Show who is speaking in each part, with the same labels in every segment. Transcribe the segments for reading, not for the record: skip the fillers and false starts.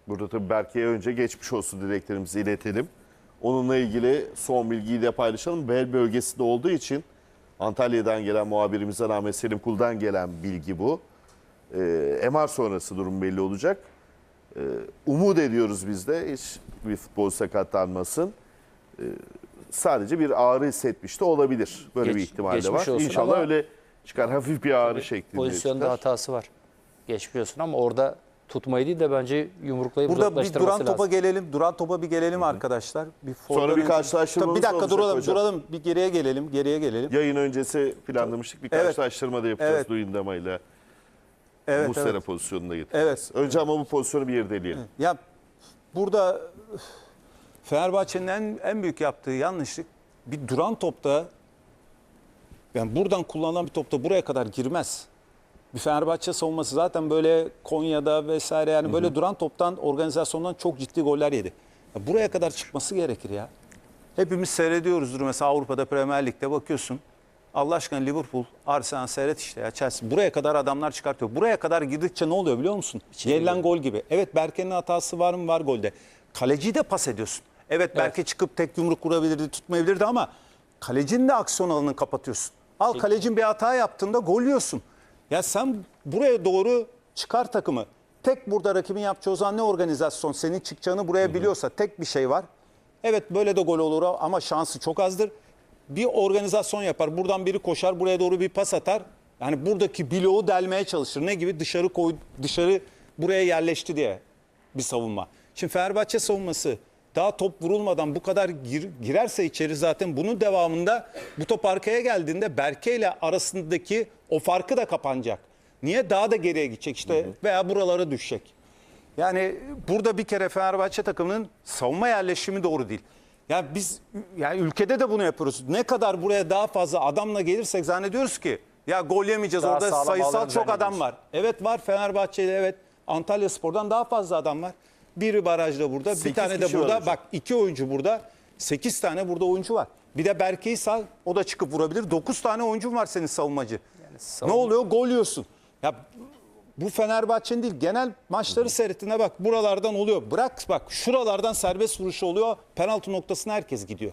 Speaker 1: Burada tabii Berke'ye önce geçmiş olsun dileklerimizi iletelim. Onunla ilgili son bilgiyi de paylaşalım. Bel bölgesinde olduğu için Antalya'dan gelen muhabirimize Ahmet Selim Kul'dan gelen bilgi bu. MR sonrası durum belli olacak. Umut ediyoruz biz de hiç bir futbol sakatlanmasın. Sadece bir ağrı hissetmiş de olabilir. Böyle bir ihtimal de var. İnşallah öyle çıkar. Hafif bir ağrı şeklinde
Speaker 2: Pozisyonda
Speaker 1: çıkar.
Speaker 2: hatası var. Geçmiş olsun ama orada tutmayı değil de bence yumruklayıp
Speaker 3: Burada bir
Speaker 2: uzaklaştırması
Speaker 3: duran topa
Speaker 2: lazım.
Speaker 3: gelelim. Duran topa bir gelelim arkadaşlar.
Speaker 1: Sonra bir karşılaştırmamız
Speaker 3: Bir dakika
Speaker 1: olacak
Speaker 3: duralım,
Speaker 1: hocam.
Speaker 3: duralım. Bir geriye gelelim, geriye gelelim.
Speaker 1: Yayın öncesi planlamıştık. Bir
Speaker 3: Evet.
Speaker 1: karşılaştırma da yapacağız
Speaker 3: Evet.
Speaker 1: Duyundamayla.
Speaker 3: Evet,
Speaker 1: Muslera
Speaker 3: evet.
Speaker 1: pozisyonuna getireceğiz.
Speaker 3: Evet.
Speaker 1: Önce ama bu pozisyonu bir irdeleyelim.
Speaker 3: Ya burada Fenerbahçe'nin en büyük yaptığı yanlışlık bir duran topta, yani buradan kullanılan bir topta buraya kadar girmez. Bir Fenerbahçe savunması zaten böyle Konya'da vesaire, yani böyle duran toptan, organizasyondan çok ciddi goller yedi. Ya buraya kadar çıkması gerekir ya. Hepimiz seyrediyoruzdur mesela Avrupa'da, Premier Lig'de bakıyorsun. Allah aşkına Liverpool, Arsenal seyret işte ya, Chelsea. Buraya kadar adamlar çıkartıyor. Buraya kadar girdikçe ne oluyor biliyor musun? Yenilen gol gibi. Evet, Berke'nin hatası var mı? Var golde. Kaleciyi de pas ediyorsun. Evet, Berke çıkıp tek yumruk vurabilirdi, tutmayabilirdi ama kalecinin de aksiyon alanını kapatıyorsun. Al, kalecin bir hata yaptığında gol yiyorsun. Ya sen buraya doğru çıkar takımı. Tek burada rakibin yapacağı o zaman ne organizasyon? Senin çıkacağını buraya biliyorsa tek bir şey var. Evet, böyle de gol olur ama şansı çok azdır. Bir organizasyon yapar. Buradan biri koşar, buraya doğru bir pas atar. Yani buradaki bloğu delmeye çalışır. Ne gibi? Dışarı buraya yerleşti diye bir savunma. Şimdi Fenerbahçe savunması daha top vurulmadan bu kadar girerse içeri, zaten bunun devamında bu top arkaya geldiğinde Berke ile arasındaki o farkı da kapanacak. Niye? Daha da geriye gidecek işte veya buralara düşecek. Yani burada bir kere Fenerbahçe takımının savunma yerleşimi doğru değil. Yani biz, yani ülkede de bunu yapıyoruz. Ne kadar buraya daha fazla adamla gelirsek zannediyoruz ki ya gol yemeyeceğiz.
Speaker 2: Daha
Speaker 3: Orada
Speaker 2: sağlam
Speaker 3: sayısal
Speaker 2: alanı
Speaker 3: çok adam
Speaker 2: zannediyoruz.
Speaker 3: var. Evet var, Fenerbahçe'de evet, Antalyaspor'dan daha fazla adam var. Biri barajda burada, bir
Speaker 1: 8
Speaker 3: tane de
Speaker 1: kişi var
Speaker 3: burada.
Speaker 1: hocam.
Speaker 3: Bak, 2 oyuncu burada, 8 tane burada oyuncu var. Bir de Berke'yi sal, o da çıkıp vurabilir. 9 tane oyuncun var senin savunmacı. Ne oluyor? Gol yiyorsun. Ya bu Fenerbahçe'nin değil, genel maçları seyrettiğine bak, buralardan oluyor. Bırak bak, şuralardan serbest vuruş oluyor. Penaltı noktasına herkes gidiyor.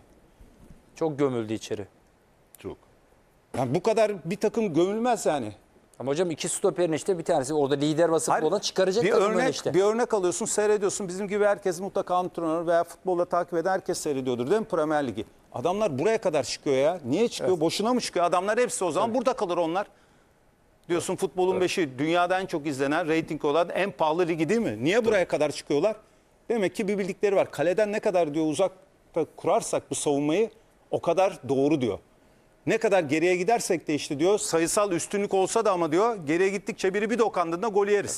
Speaker 2: Çok gömüldü içeri.
Speaker 1: Çok.
Speaker 3: Yani bu kadar bir takım gömülmez yani.
Speaker 2: Ama hocam iki stoperin işte bir tanesi orada lider vasıflı olan çıkaracak
Speaker 3: bir
Speaker 2: takımın
Speaker 3: örnek,
Speaker 2: işte.
Speaker 3: bir örnek alıyorsun, seyrediyorsun. Bizim gibi herkes mutlaka antrenör veya futbolda takip eden herkes seyrediyordur değil mi Premier Ligi? Adamlar buraya kadar çıkıyor ya. Niye çıkıyor? Evet. Boşuna mı çıkıyor? Adamlar hepsi o zaman burada kalır onlar. Diyorsun futbolun beşi, dünyada en çok izlenen, reyting olan en pahalı ligi değil mi? Niye buraya kadar çıkıyorlar? Demek ki bir bildikleri var. Kaleden ne kadar diyor uzakta kurarsak bu savunmayı o kadar doğru diyor. Ne kadar geriye gidersek de işte diyor, sayısal üstünlük olsa da ama diyor, geriye gittikçe biri bir dokandığında gol yeriz.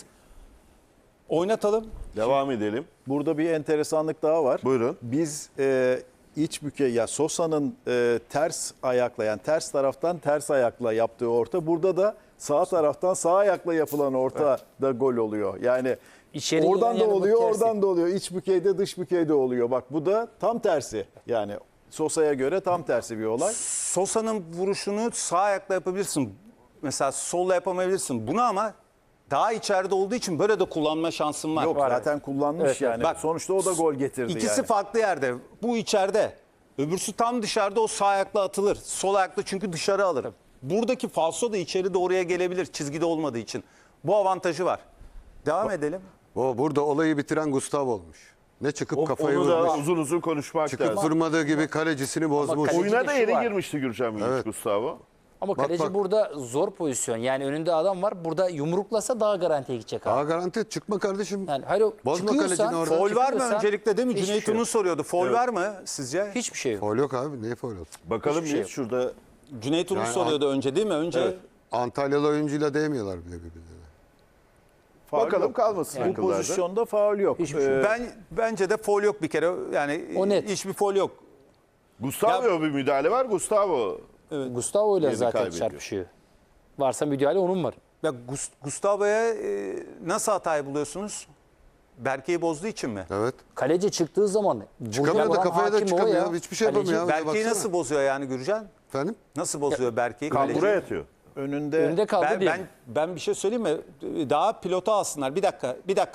Speaker 3: Oynatalım.
Speaker 1: Devam edelim.
Speaker 4: Burada bir enteresanlık daha var.
Speaker 1: Buyurun.
Speaker 4: Biz iç bükey, ya Sosa'nın ters ayakla, yani ters taraftan ters ayakla yaptığı orta, burada da sağ taraftan sağ ayakla yapılan orta da gol oluyor. Yani
Speaker 2: İçeri
Speaker 4: oradan
Speaker 2: giren
Speaker 4: da
Speaker 2: yani bu
Speaker 4: oluyor,
Speaker 2: tersi.
Speaker 4: oradan da oluyor. İç bükeyde, dış bükeyde oluyor. Bak bu da tam tersi. Yani Sosa'ya göre tam tersi bir olay.
Speaker 3: Sosa'nın vuruşunu sağ ayakla yapabilirsin. Mesela solla yapamayabilirsin. Bunu ama daha içeride olduğu için böyle de kullanma şansın var.
Speaker 4: Yok,
Speaker 3: Var.
Speaker 4: zaten kullanmış
Speaker 2: Evet,
Speaker 4: yani.
Speaker 3: Bak,
Speaker 4: sonuçta o da gol getirdi
Speaker 3: İkisi
Speaker 4: yani.
Speaker 3: farklı yerde. Bu içeride. Öbürsü tam dışarıda, o sağ ayakla atılır. Sol ayakla çünkü dışarı alır. Buradaki falso da içeri doğruya gelebilir çizgide olmadığı için. Bu avantajı var. Devam edelim.
Speaker 5: Burada olayı bitiren Gustavo olmuş. Ne çıkıp kafayı
Speaker 1: Onu da
Speaker 5: vurmuş.
Speaker 1: uzun uzun konuşmak
Speaker 5: Çıkıp
Speaker 1: lazım.
Speaker 5: vurmadığı gibi kalecisini bozmuş.
Speaker 2: kaleci-
Speaker 1: Oyuna da
Speaker 2: şu
Speaker 1: yeni
Speaker 2: var.
Speaker 1: girmişti Gürcan Bilgiç,
Speaker 5: Evet.
Speaker 1: Gustavo.
Speaker 2: Ama
Speaker 5: Bak,
Speaker 2: kaleci
Speaker 5: bak.
Speaker 2: burada zor pozisyon. Yani önünde adam var. Burada yumruklasa daha garantiye gidecek abi.
Speaker 5: Daha garanti çıkma kardeşim.
Speaker 2: Yani hayır,
Speaker 5: Bozma
Speaker 2: çıkıyorsan-
Speaker 5: kalecini orada.
Speaker 3: Foul var mı
Speaker 2: Çıkıyorsa
Speaker 3: öncelikle değil mi?
Speaker 2: hiçbir
Speaker 3: Cüneyt
Speaker 2: şey
Speaker 3: Ünlü
Speaker 2: yok.
Speaker 3: soruyordu. Foul var mı sizce?
Speaker 2: Hiçbir şey yok.
Speaker 5: Foul yok abi. Neye foul olsun?
Speaker 1: Bakalım
Speaker 2: Hiçbir şey
Speaker 1: bir
Speaker 2: yok.
Speaker 1: şurada.
Speaker 3: Cüneyt Ünlü
Speaker 5: Yani
Speaker 3: soruyordu önce değil mi? Önce
Speaker 1: Evet.
Speaker 5: Antalyalı oyuncuyla değmiyorlar bile birbirlerine.
Speaker 4: Faul
Speaker 1: Bakalım
Speaker 4: yok.
Speaker 1: kalmasın
Speaker 4: Bu
Speaker 1: akıllarda.
Speaker 4: pozisyonda faul yok.
Speaker 3: bence de foul yok bir kere. Yani
Speaker 2: O net.
Speaker 3: hiçbir foul yok.
Speaker 1: Gustavo'ya bir müdahale var. Gustavo
Speaker 2: Gustavo ile
Speaker 1: Yerini
Speaker 2: zaten
Speaker 1: kaybediyor.
Speaker 2: çarpışıyor. Varsa müdahale onun var.
Speaker 3: Ya Gustavo'ya nasıl hatayı buluyorsunuz? Berke'yi bozduğu için mi?
Speaker 5: Evet.
Speaker 2: Kaleci çıktığı zaman
Speaker 5: Çıkamıyor da
Speaker 2: vuran
Speaker 5: kafaya da
Speaker 2: hakim o
Speaker 5: çıkamıyor.
Speaker 2: ya.
Speaker 5: Hiçbir şey
Speaker 2: Kaleci
Speaker 5: yapamıyor.
Speaker 3: Berke'yi
Speaker 5: Baksana.
Speaker 3: nasıl bozuyor yani Gürcan?
Speaker 5: Efendim?
Speaker 3: Nasıl bozuyor Berke'yi?
Speaker 1: kambura
Speaker 3: Kaleci?
Speaker 1: yatıyor.
Speaker 4: Önünde
Speaker 2: Önünde kaldı
Speaker 3: Ben,
Speaker 2: değil.
Speaker 3: ben bir şey söyleyeyim mi? Daha pilota alsınlar. Bir dakika dur.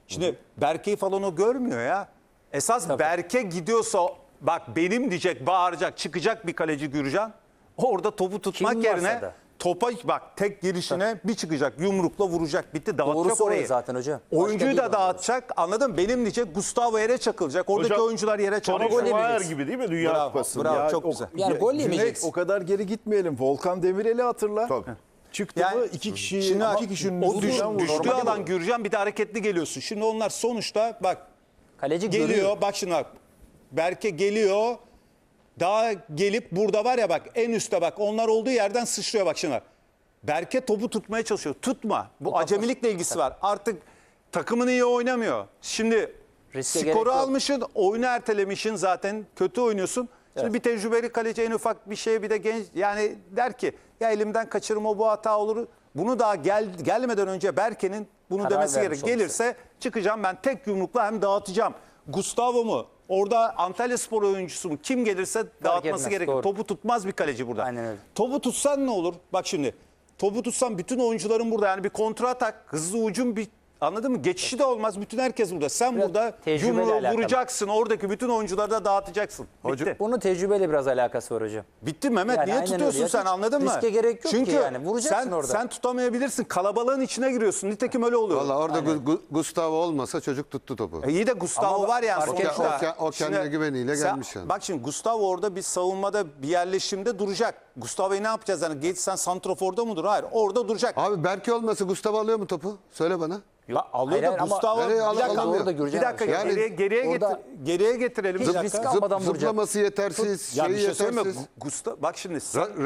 Speaker 3: Şimdi Berke'yi falan o görmüyor ya. Esas Berke gidiyorsa bak benim diyecek, bağıracak, çıkacak bir kaleci Gürcan. Orada topu tutmak
Speaker 2: Kim varsa
Speaker 3: yerine
Speaker 2: da.
Speaker 3: topa bak tek girişine bir çıkacak, yumrukla vuracak. Bitti, dağıtacak
Speaker 2: Doğrusu o
Speaker 3: orayı.
Speaker 2: zaten hocam. Başka
Speaker 3: Oyuncuyu
Speaker 2: değil
Speaker 3: da
Speaker 2: o.
Speaker 3: dağıtacak. Anladın mı? Benim diyecek, Gustavo yere çakılacak. Oradaki
Speaker 1: Hocam,
Speaker 3: oyuncular yere
Speaker 1: Tony
Speaker 3: çakılacak.
Speaker 1: Schumacher gibi değil mi Dünya
Speaker 3: Bravo,
Speaker 1: Kupası'nda?
Speaker 3: bravo.
Speaker 4: Ya
Speaker 3: çok
Speaker 4: o-
Speaker 3: güzel.
Speaker 2: Yani gol
Speaker 4: Cüneyt,
Speaker 2: yemeyeceksin.
Speaker 4: o kadar geri gitmeyelim. Volkan Demirel'i hatırla.
Speaker 1: Tabii.
Speaker 4: Çıktı
Speaker 3: Yani-
Speaker 4: mı iki kişi,
Speaker 3: Şimdi
Speaker 4: iki kişinin
Speaker 3: o
Speaker 4: üstünden vurdu.
Speaker 3: düştüğü
Speaker 4: Normali
Speaker 3: alan
Speaker 4: bu.
Speaker 3: Gürcan, bir de hareketli geliyorsun. Şimdi onlar sonuçta bak
Speaker 2: Kaleci
Speaker 3: geliyor.
Speaker 2: görüyor.
Speaker 3: Bak şimdi bak. Berke geliyor. Daha gelip burada var ya bak en üstte bak. Onlar olduğu yerden sıçrıyor bak şimdi bak. Berke topu tutmaya çalışıyor. Tutma. Bu acemilikle ilgisi var. Artık takımın iyi oynamıyor. Şimdi
Speaker 2: Riske gerek
Speaker 3: skoru
Speaker 2: yok.
Speaker 3: almışsın, oyunu ertelemişsin zaten. Kötü oynuyorsun. Şimdi bir tecrübeli kaleci en ufak bir şey, bir de genç yani der ki ya elimden kaçırma, bu hata olur. Bunu daha gelmeden önce Berke'nin bunu
Speaker 2: Karar
Speaker 3: demesi
Speaker 2: vermiş
Speaker 3: gerek. Gelirse çıkacağım ben tek yumrukla hem dağıtacağım. Gustavo mu? Orada Antalyaspor oyuncusu mu? Kim gelirse dağıtması
Speaker 2: etmez,
Speaker 3: gerekiyor.
Speaker 2: doğru.
Speaker 3: Topu tutmaz bir kaleci burada.
Speaker 2: Aynen öyle.
Speaker 3: Topu tutsan ne olur? Bak şimdi. Topu tutsan bütün oyuncuların burada. Yani bir kontra atak, hızlı hücum, bir anladın mı? Geçişi de olmaz. Bütün herkes burada. Sen
Speaker 2: Biraz
Speaker 3: burada
Speaker 2: tecrübeyle
Speaker 3: yumruğu
Speaker 2: alakalı.
Speaker 3: vuracaksın. Oradaki bütün oyuncuları da dağıtacaksın. Bitti.
Speaker 2: Bunun tecrübeyle biraz alakası var hocam.
Speaker 3: Bitti Mehmet.
Speaker 2: Yani
Speaker 3: Niye
Speaker 2: aynen
Speaker 3: tutuyorsun
Speaker 2: öyle ya.
Speaker 3: sen,
Speaker 2: Hiç
Speaker 3: anladın mı?
Speaker 2: riske gerek yok ki
Speaker 3: Çünkü
Speaker 2: yani. Vuracaksın orada.
Speaker 3: sen tutamayabilirsin. Kalabalığın içine giriyorsun. Nitekim öyle oluyor.
Speaker 5: Valla orada Gustavo olmasa çocuk tuttu topu.
Speaker 3: İyi de Gustavo
Speaker 2: Ama
Speaker 3: var yani
Speaker 2: fark etmez.
Speaker 3: sonuçta.
Speaker 5: O kendine
Speaker 3: Şimdi
Speaker 5: güveniyle
Speaker 3: sen-
Speaker 5: gelmiş yani.
Speaker 3: Bak şimdi Gustavo orada bir savunmada, bir yerleşimde duracak. Gustavo'yu ne yapacağız? Yani geç sen santraforda mı dur? Hayır, orada duracak.
Speaker 5: Abi Berke olmasa Gustavo alıyor mu topu? Söyle bana.
Speaker 3: Ya alıyor
Speaker 2: Hayır,
Speaker 3: da
Speaker 2: hayır ama-
Speaker 3: Gustavo
Speaker 5: Nereye
Speaker 3: bir dakika,
Speaker 5: alamıyor?
Speaker 2: Orada Gürcan
Speaker 3: bir dakika
Speaker 5: Yani
Speaker 2: orada
Speaker 3: geriye getirelim.
Speaker 2: hiç
Speaker 3: Bir
Speaker 2: risk
Speaker 3: dakika.
Speaker 2: almadan vuracak.
Speaker 5: Zıplaması yetersiz,
Speaker 3: Ya bir
Speaker 5: şeyi
Speaker 3: şey söyleyeyim mi?
Speaker 5: yetersiz.
Speaker 3: Bak şimdi.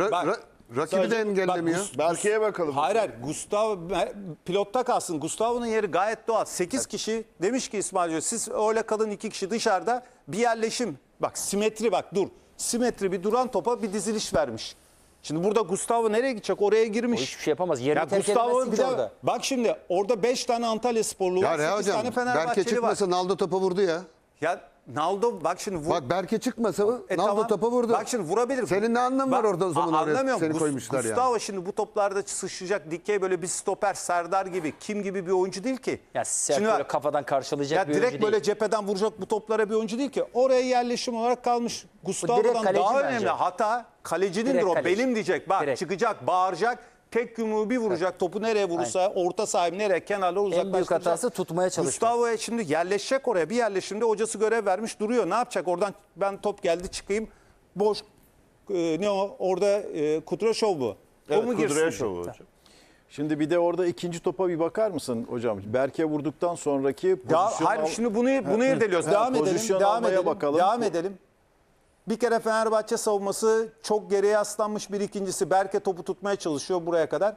Speaker 5: Rakibi de
Speaker 3: Sadece-
Speaker 5: engellemiyor.
Speaker 3: bak,
Speaker 1: Berke'ye bakalım.
Speaker 3: Hayır Gustavo pilotta kalsın. Gustavo'nun yeri gayet doğal. 8 kişi demiş ki İsmail Hoca, siz öyle kalın, 2 kişi dışarıda, bir yerleşim. Bak simetri, bak dur. Simetri, bir duran topa bir diziliş vermiş. Şimdi burada Gustavo nereye gidecek? Oraya
Speaker 2: O
Speaker 3: girmiş.
Speaker 2: hiçbir şey yapamaz. Yerini
Speaker 3: Ya
Speaker 2: terk
Speaker 3: Gustavo
Speaker 2: edemezsin
Speaker 3: bir
Speaker 2: ki
Speaker 3: de
Speaker 2: orada.
Speaker 3: bak şimdi orada 5 tane Antalya sporlu
Speaker 5: Ya
Speaker 3: var.
Speaker 5: Reha
Speaker 3: 8 tane
Speaker 5: hocam Berke
Speaker 3: Fenerbahçeli var.
Speaker 5: çıkmasa Naldo topa vurdu ya.
Speaker 3: Ya Naldo bak şimdi vur.
Speaker 5: Bak Berke çıkmasa Naldo
Speaker 3: Tamam.
Speaker 5: topa vurdu.
Speaker 3: Bak şimdi vurabilir.
Speaker 5: Senin ne anlamı var orada o zaman oraya
Speaker 3: anlamıyorum.
Speaker 5: seni koymuşlar yani.
Speaker 3: Gustavo şimdi bu toplarda sıçrayacak dikey böyle bir stoper, Serdar gibi, kim gibi bir oyuncu değil ki.
Speaker 2: Ya sert
Speaker 3: Şimdi
Speaker 2: böyle
Speaker 3: bak,
Speaker 2: kafadan karşılayacak
Speaker 3: ya
Speaker 2: bir
Speaker 3: direkt
Speaker 2: oyuncu
Speaker 3: böyle
Speaker 2: değil.
Speaker 3: cepheden vuracak bu toplara bir oyuncu değil ki. Oraya yerleşim olarak kalmış. Gustavo'dan
Speaker 2: direkt kaleci
Speaker 3: daha
Speaker 2: bence.
Speaker 3: önemli. Hata kalecinindir
Speaker 2: Direkt
Speaker 3: o.
Speaker 2: kaleci.
Speaker 3: Benim diyecek. Bak
Speaker 2: Direkt.
Speaker 3: çıkacak, bağıracak. Tek yumruğu bir vuracak. Topu nereye vurursa, orta sahibi nereye, kenarlara uzaklaştıracak.
Speaker 2: En büyük hatası tutmaya çalışmak.
Speaker 3: Gustavo'ya şimdi yerleşecek oraya. Bir yerleşimde hocası görev vermiş duruyor. Ne yapacak? Oradan ben top geldi çıkayım. Boş ne o? Orada Kudraşov bu.
Speaker 1: Evet,
Speaker 3: o mu girsin?
Speaker 1: Kudryashov hocam.
Speaker 4: Şimdi bir de orada ikinci topa bir bakar mısın hocam? Berke vurduktan sonraki
Speaker 3: Ya
Speaker 4: pozisyon
Speaker 3: hayır şimdi bunu irdeliyoruz.
Speaker 4: Ha,
Speaker 3: Devam edelim.
Speaker 4: pozisyon
Speaker 3: Devam
Speaker 4: almaya
Speaker 3: edelim.
Speaker 4: bakalım.
Speaker 3: Devam edelim. Bir kere Fenerbahçe savunması çok geriye yaslanmış, bir ikincisi Berke topu tutmaya çalışıyor buraya kadar.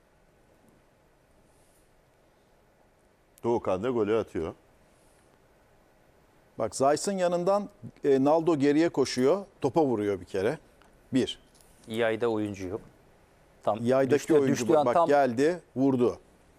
Speaker 1: Doğukan da golü atıyor.
Speaker 4: Bak Zayt'ın yanından Naldo geriye koşuyor. Topa vuruyor bir kere. Bir.
Speaker 2: Yayda oyuncu yok. Tam
Speaker 4: Yaydaki oyuncu
Speaker 2: düştüğü an
Speaker 4: bak
Speaker 2: tam
Speaker 4: geldi, vurdu.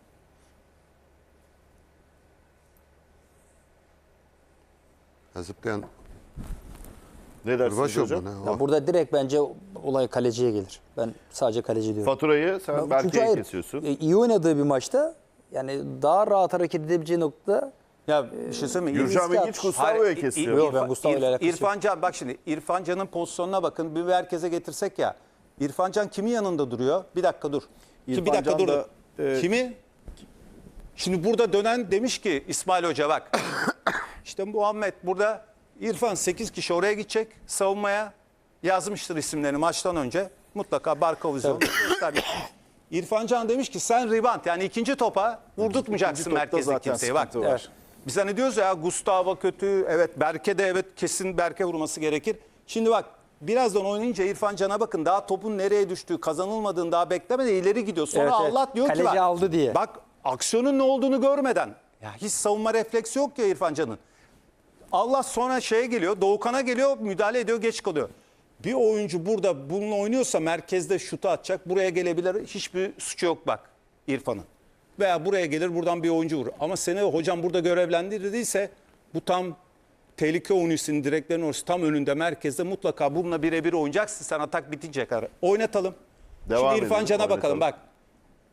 Speaker 5: Zıplayan
Speaker 1: Ne dersiniz
Speaker 5: Kırbaşov
Speaker 1: hocam?
Speaker 5: mu ne?
Speaker 2: ya
Speaker 5: O.
Speaker 2: burada direkt bence olay kaleciye gelir. Ben sadece kaleci diyorum.
Speaker 1: Faturayı sen
Speaker 2: Çünkü
Speaker 1: Berke'ye
Speaker 2: hayır,
Speaker 1: kesiyorsun.
Speaker 2: iyi oynadığı bir maçta yani daha rahat hareket edebileceği nokta
Speaker 3: Ya bir şey söyleyeyim mi?
Speaker 1: Gürcan
Speaker 2: riske
Speaker 1: Bilgiç
Speaker 2: at-
Speaker 1: Gustavo'ya
Speaker 3: Hayır,
Speaker 1: kesiyor.
Speaker 2: Yok, ben Gustavo ile alakası yok.
Speaker 3: İrfan Can, bak şimdi İrfan Can'ın pozisyonuna bakın. Bir merkeze getirsek ya. İrfan Can kimin yanında duruyor? Bir dakika dur.
Speaker 4: İrfan
Speaker 3: Bir dakika
Speaker 4: Can
Speaker 3: dur.
Speaker 4: da,
Speaker 3: Kimi? Şimdi burada dönen demiş ki İsmail Hoca bak. İşte Muhammed burada İrfan 8 kişi oraya gidecek savunmaya. Yazmıştır isimlerini maçtan önce. Mutlaka Barkovizyon. İrfan Can demiş ki sen rebound yani ikinci topa vurdurtmayacaksın
Speaker 4: İkinci topta
Speaker 3: merkezde
Speaker 4: zaten
Speaker 3: kimseye. Bak.
Speaker 4: sıkıntı var.
Speaker 3: Evet. Biz hani diyoruz ya Gustavo kötü. Evet Berke de evet kesin Berke vurması gerekir. Şimdi bak birazdan oynayınca İrfan Can'a bakın daha topun nereye düştüğü kazanılmadığını daha beklemeden ileri gidiyor. Sonra
Speaker 2: Evet, evet.
Speaker 3: Allah diyor ki
Speaker 2: Kaleci
Speaker 3: bak,
Speaker 2: aldı diye.
Speaker 3: bak aksiyonun ne olduğunu görmeden ya hiç savunma refleksi yok ya İrfan Can'ın. Allah sonra şeye geliyor, Doğukan'a geliyor, müdahale ediyor, geç kalıyor. Bir oyuncu burada bununla oynuyorsa merkezde şutu atacak, buraya gelebilir. Hiçbir suçu yok bak İrfan'ın. Veya buraya gelir, buradan bir oyuncu vurur. Ama seni hocam burada görevlendirdiyse bu tam tehlike oyuncusunun direklerin orası tam önünde, merkezde mutlaka bununla birebir oynayacaksın sen atak bitinceye kadar. Oynatalım.
Speaker 1: Devam
Speaker 3: Şimdi İrfan
Speaker 1: edelim,
Speaker 3: Can'a bakalım
Speaker 1: oynatalım.
Speaker 3: bak.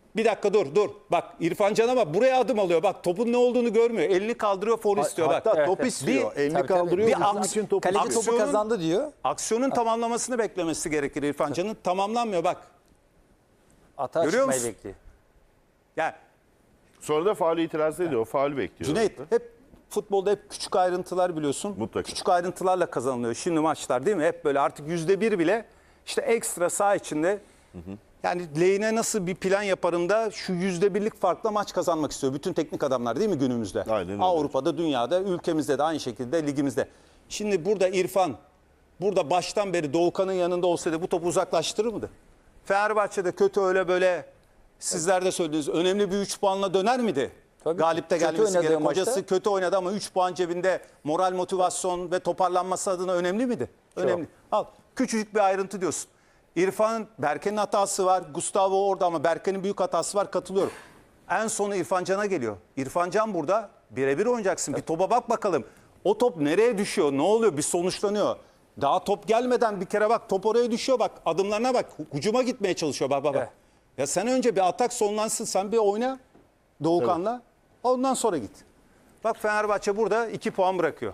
Speaker 3: Bir dakika dur. Bak İrfan Can'a bak, buraya adım alıyor. Bak topun ne olduğunu görmüyor. Elini kaldırıyor, faul istiyor. Bak.
Speaker 4: Hatta top
Speaker 2: evet.
Speaker 4: istiyor. Elini
Speaker 2: Tabii, tabii.
Speaker 4: kaldırıyor.
Speaker 3: Bir
Speaker 4: Bizim
Speaker 3: aks-
Speaker 4: için topu
Speaker 2: Kaleci
Speaker 4: istiyor.
Speaker 2: topu kazandı diyor.
Speaker 3: Aksiyonun tamamlamasını beklemesi gerekir İrfan Can'ın. Tamamlanmıyor bak.
Speaker 2: Atağa
Speaker 3: Görüyor
Speaker 2: çıkmayı
Speaker 3: musun?
Speaker 2: bekliyor.
Speaker 3: Yani
Speaker 1: Sonra da faulü itiraz ediyor. O faulü bekliyor.
Speaker 3: Cüneyt hep futbolda hep küçük ayrıntılar biliyorsun.
Speaker 1: Mutlaka.
Speaker 3: Küçük ayrıntılarla kazanılıyor. Şimdi maçlar değil mi? Hep böyle artık %1 bile işte ekstra saha içinde. Yani lehine nasıl bir plan yaparım da şu %1'lik farkla maç kazanmak istiyor. Bütün teknik adamlar değil mi günümüzde?
Speaker 1: Aynen öyle.
Speaker 3: Avrupa'da, dünyada, ülkemizde de aynı şekilde ligimizde. Şimdi burada İrfan, burada baştan beri Doğukan'ın yanında olsaydı bu topu uzaklaştırır mıydı? Fenerbahçe'de kötü öyle böyle sizler de söylediniz. Önemli bir 3 puanla döner miydi?
Speaker 2: Tabii.
Speaker 3: Galipte
Speaker 2: Kötü
Speaker 3: gelmesi
Speaker 2: oynadığı
Speaker 3: gerek.
Speaker 2: maçta-
Speaker 3: Hocası kötü oynadı ama 3 puan cebinde, moral, motivasyon ve toparlanması adına önemli miydi? Önemli. Al küçücük bir ayrıntı diyorsun. İrfan'ın, Berke'nin hatası var. Gustavo orada ama Berke'nin büyük hatası var, katılıyorum. En sonu İrfan Can'a geliyor. İrfan Can burada birebir oynayacaksın. Bir topa bak bakalım. O top nereye düşüyor? Ne oluyor? Bir sonuçlanıyor. Daha top gelmeden bir kere bak, top oraya düşüyor bak. Adımlarına bak. Hücuma gitmeye çalışıyor bak.
Speaker 2: Evet.
Speaker 3: Ya sen önce bir atak sonlansın. Sen bir oyna Doğukan'la. Ondan sonra git. Bak Fenerbahçe burada 2 puan bırakıyor.